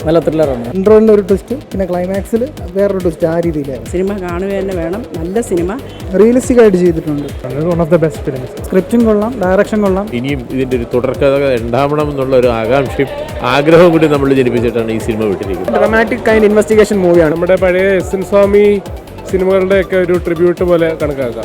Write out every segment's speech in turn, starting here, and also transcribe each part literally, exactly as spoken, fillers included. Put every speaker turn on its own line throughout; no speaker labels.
നല്ല ത്രില്ലറാണ്. ഇൻട്രോയിൽ ഒരു ട്വിസ്റ്റ്, പിന്നെ ക്ലൈമാക്സിൽ വേറൊരു ട്വിസ്റ്റ്. ആ രീതിയിലാണ്
സിനിമ കാണുക തന്നെ വേണം. നല്ല സിനിമ,
റിയലിസ്റ്റിക് ആയിട്ട് ചെയ്തിട്ടുണ്ട്.
One of the best films.
സ്ക്രിപ്റ്റും കൊള്ളാം, ഡയറക്ഷൻ കൊള്ളാം.
ഇനിയും ഇതിൻ്റെ ഒരു തുടർക്കഥ ഉണ്ടാവണം എന്നുള്ള ഒരു ആകാംക്ഷയും ആഗ്രഹവും കൂടി നമ്മൾ ജനിപ്പിച്ചിട്ടാണ് ഈ സിനിമ വിട്ടിരിക്കുന്നത്.
ഡ്രമാറ്റിക് കൈൻഡ് ഇൻവെസ്റ്റിഗേഷൻ മൂവിയാണ്. നമ്മുടെ പഴയ എസ് എൻ സ്വാമി സിനിമകളുടെ ഒക്കെ ഒരു ട്രിബ്യൂട്ട് പോലെ കണക്കാക്കാം.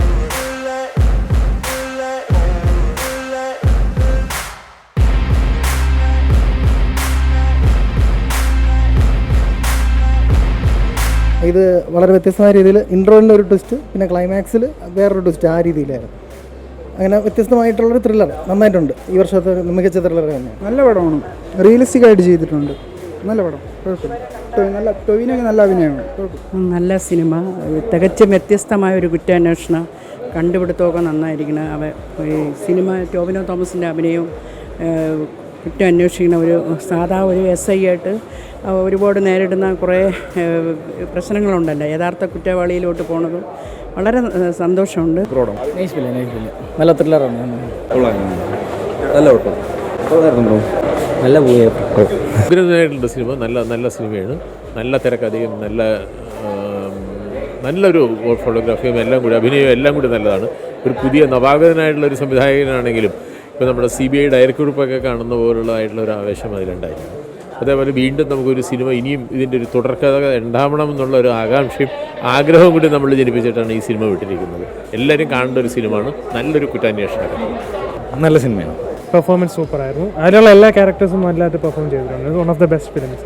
ഇത് വളരെ വ്യത്യസ്തമായ രീതിയിൽ ഇൻട്രോയിൻ്റെ ഒരു ട്വിസ്റ്റ്, പിന്നെ ക്ലൈമാക്സിൽ വേറൊരു ട്വിസ്റ്റ്. ആ രീതിയിലായിരുന്നു. അങ്ങനെ വ്യത്യസ്തമായിട്ടുള്ളൊരു ത്രില്ലർ നന്നായിട്ടുണ്ട്. ഈ വർഷത്തെ മികച്ച ത്രില്ലർ തന്നെ.
നല്ല പടമാണ്,
റിയലിസ്റ്റിക് ആയിട്ട് ചെയ്തിട്ടുണ്ട്.
നല്ല പടം, കുഴപ്പമില്ല. നല്ല ടൊവിനൊക്കെ നല്ല അഭിനയമാണ്, കുഴപ്പമില്ല.
നല്ല സിനിമ, തികച്ചും വ്യത്യസ്തമായ ഒരു കുറ്റാന്വേഷണം, കണ്ടുപിടുത്തമൊക്കെ നന്നായിരിക്കണം. അവ ഈ സിനിമ ടോവിനോ തോമസിൻ്റെ അഭിനയവും കുറ്റം അന്വേഷിക്കുന്ന ഒരു സാധാ ഒരു എസ് ഐ ആയിട്ട് ഒരുപാട് നേരിടുന്ന കുറേ പ്രശ്നങ്ങളുണ്ടല്ലോ, യഥാർത്ഥ കുറ്റവാളിയിലോട്ട് പോണതും വളരെ സന്തോഷമുണ്ട്.
നല്ല ത്രില്ലറാണ്.
നല്ല നല്ല ഉഗ്രനായിട്ടുള്ള സിനിമ, നല്ല നല്ല സിനിമയാണ്. നല്ല തിരക്കഥയും നല്ല നല്ലൊരു ഫോട്ടോഗ്രാഫിയും എല്ലാം കൂടി അഭിനയവും എല്ലാം കൂടി നല്ലതാണ്. ഒരു പുതിയ നവാഗതനായിട്ടുള്ള ഒരു സംവിധായകനാണെങ്കിലും ഇപ്പോൾ നമ്മുടെ സി ബി ഐ ഡയറക്ടറുപ്പൊക്കെ കാണുന്ന പോലുള്ളതായിട്ടുള്ള ഒരു ആവേശം അതിലുണ്ടായിരുന്നു. അതേപോലെ വീണ്ടും നമുക്കൊരു സിനിമ ഇനിയും ഇതിൻ്റെ ഒരു തുടർക്കഥ ഉണ്ടാവണം എന്നുള്ള ഒരു ആകാംക്ഷയും ആഗ്രഹവും കൂടി നമ്മൾ ജനിപ്പിച്ചിട്ടാണ് ഈ സിനിമ വിട്ടിരിക്കുന്നത്. എല്ലാവരും കാണേണ്ട ഒരു സിനിമയാണ്. നല്ലൊരു കുറ്റാന്വേഷണം,
നല്ല സിനിമയാണ്. പെർഫോമൻസ് സൂപ്പർ ആയിരുന്നു. അതിലുള്ള എല്ലാ ക്യാരക്ടേഴ്സും നല്ലതായിട്ട് പെർഫോം ചെയ്തിട്ടുണ്ട്. One of the best films.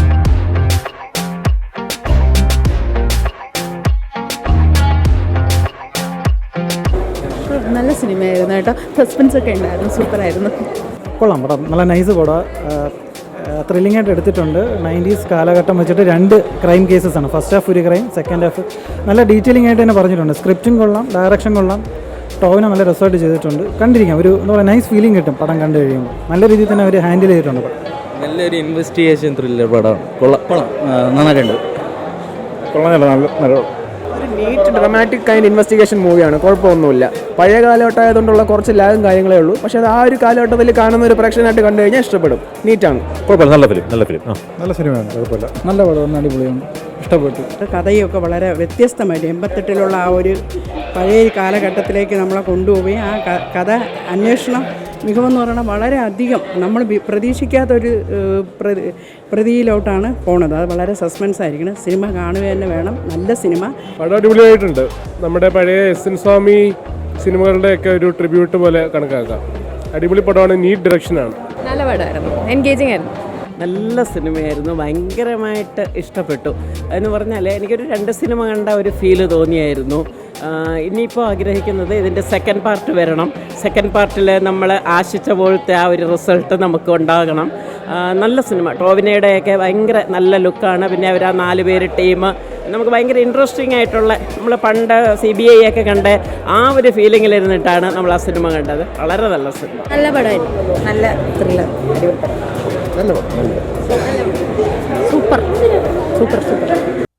നല്ല സിനിമയായിരുന്നു കേട്ടോ. സസ്പെൻസ് ഒക്കെ ഉണ്ടായിരുന്നു, സൂപ്പറായിരുന്നു.
കൊള്ളാം പടം, നല്ല നൈസ് പടം. ത്രില്ലിംഗ് ആയിട്ട് എടുത്തിട്ടുണ്ട്. നയൻറ്റീസ് കാലഘട്ടം വെച്ചിട്ട് രണ്ട് ക്രൈം കേസസ് ആണ്. ഫസ്റ്റ് ഹാഫ് ഒരു ക്രൈം, സെക്കൻഡ് ഹാഫ് നല്ല ഡീറ്റെയിലിംഗ് ആയിട്ട് തന്നെ പറഞ്ഞിട്ടുണ്ട്. സ്ക്രിപ്റ്റും കൊള്ളാം, ഡയറക്ഷൻ കൊള്ളാം, ടോവിനെ നല്ല റിസർട്ട് ചെയ്തിട്ടുണ്ട്. കണ്ടിരിക്കാം, ഒരു എന്താ പറയുക നൈസ് ഫീലിംഗ് കിട്ടും പടം കണ്ടു കഴിയുമ്പോൾ. നല്ല രീതിയിൽ തന്നെ അവർ ഹാൻഡിൽ ചെയ്തിട്ടുണ്ട് പടം.
നല്ലൊരു ഇൻവെസ്റ്റിഗേഷൻ ത്രില്ലർ പടമാണ്. കൊള്ളാം കൊള്ളാം നന്നായിട്ടുണ്ട്.
കൊള്ളാം, നല്ല നല്ല ഒരു നീറ്റ് ഡ്രമാറ്റിക് കൈൻഡ് ഇൻവെസ്റ്റിഗേഷൻ മൂവിയാണ്. കുഴപ്പമൊന്നുമില്ല. പഴയ കാലഘട്ടമായതുകൊണ്ടുള്ള കുറച്ച് ലാഗും കാര്യങ്ങളേ ഉള്ളൂ. പക്ഷേ അത് ആ ഒരു കാലഘട്ടത്തിൽ കാണുന്ന ഒരു പ്രേക്ഷകനായിട്ട് കണ്ടു കഴിഞ്ഞാൽ ഇഷ്ടപ്പെടും. നീറ്റാണ്,
കുഴപ്പമില്ല. നല്ല ഫിലിം നല്ല ഫിലിം
നല്ല സിനിമയാണ്. കുഴപ്പമില്ല,
നല്ല പടം, അടിപൊളിയാണ്, ഇഷ്ടപ്പെട്ടു.
കഥയൊക്കെ വളരെ വ്യത്യസ്തമായിട്ട് എൺപത്തെട്ടിലുള്ള ആ ഒരു പഴയ കാലഘട്ടത്തിലേക്ക് നമ്മളെ കൊണ്ടുപോവുകയും ആ കഥ അന്വേഷണം മികവെന്ന് പറയുന്നത് വളരെ അധികം നമ്മൾ പ്രതീക്ഷിക്കാത്തൊരു പ്രതിയിലോട്ടാണ് പോണത്. അത് വളരെ സസ്പെൻസ് ആയിരിക്കണം. സിനിമ കാണുക തന്നെ വേണം. നല്ല സിനിമ,
പടം അടിപൊളിയായിട്ടുണ്ട്. നമ്മുടെ പഴയ എസ് എൻ സ്വാമി സിനിമകളുടെ ഒക്കെ ഒരു ട്രിബ്യൂട്ട് പോലെ കണക്കാക്കാം. അടിപൊളി പടമാണ്, നീറ്റ് ഡയറക്ഷനാണ്.
നല്ല പടമായിരുന്നു, എൻഗേജിങ് ആയിരുന്നു.
നല്ല സിനിമയായിരുന്നു, ഭയങ്കരമായിട്ട് ഇഷ്ടപ്പെട്ടു. എന്ന് പറഞ്ഞാൽ എനിക്കൊരു രണ്ട് സിനിമ കണ്ട ഒരു ഫീല് തോന്നിയായിരുന്നു. ഇനിയിപ്പോൾ ആഗ്രഹിക്കുന്നത് ഇതിൻ്റെ സെക്കൻഡ് പാർട്ട് വരണം. സെക്കൻഡ് പാർട്ടിൽ നമ്മൾ ആശിച്ച പോലത്തെ ആ ഒരു റിസൾട്ട് നമുക്ക് ഉണ്ടാകണം. നല്ല സിനിമ, ടോവിനയുടെയൊക്കെ ഭയങ്കര നല്ല ലുക്കാണ്. പിന്നെ അവർ ആ നാല് പേര് ടീം നമുക്ക് ഭയങ്കര ഇൻട്രസ്റ്റിംഗ് ആയിട്ടുള്ള, നമ്മൾ പണ്ട് സി ബി ഐ ഒക്കെ കണ്ട ആ ഒരു ഫീലിങ്ങിലിരുന്നിട്ടാണ് നമ്മൾ ആ സിനിമ കണ്ടത്. വളരെ നല്ല സിനിമ,
നല്ല പടമായിരുന്നു, നല്ല ത്രില്ലർ, അടിപൊളി പടം,
നല്ല പടം,
സൂപ്പർ സൂപ്പർ സൂപ്പർ.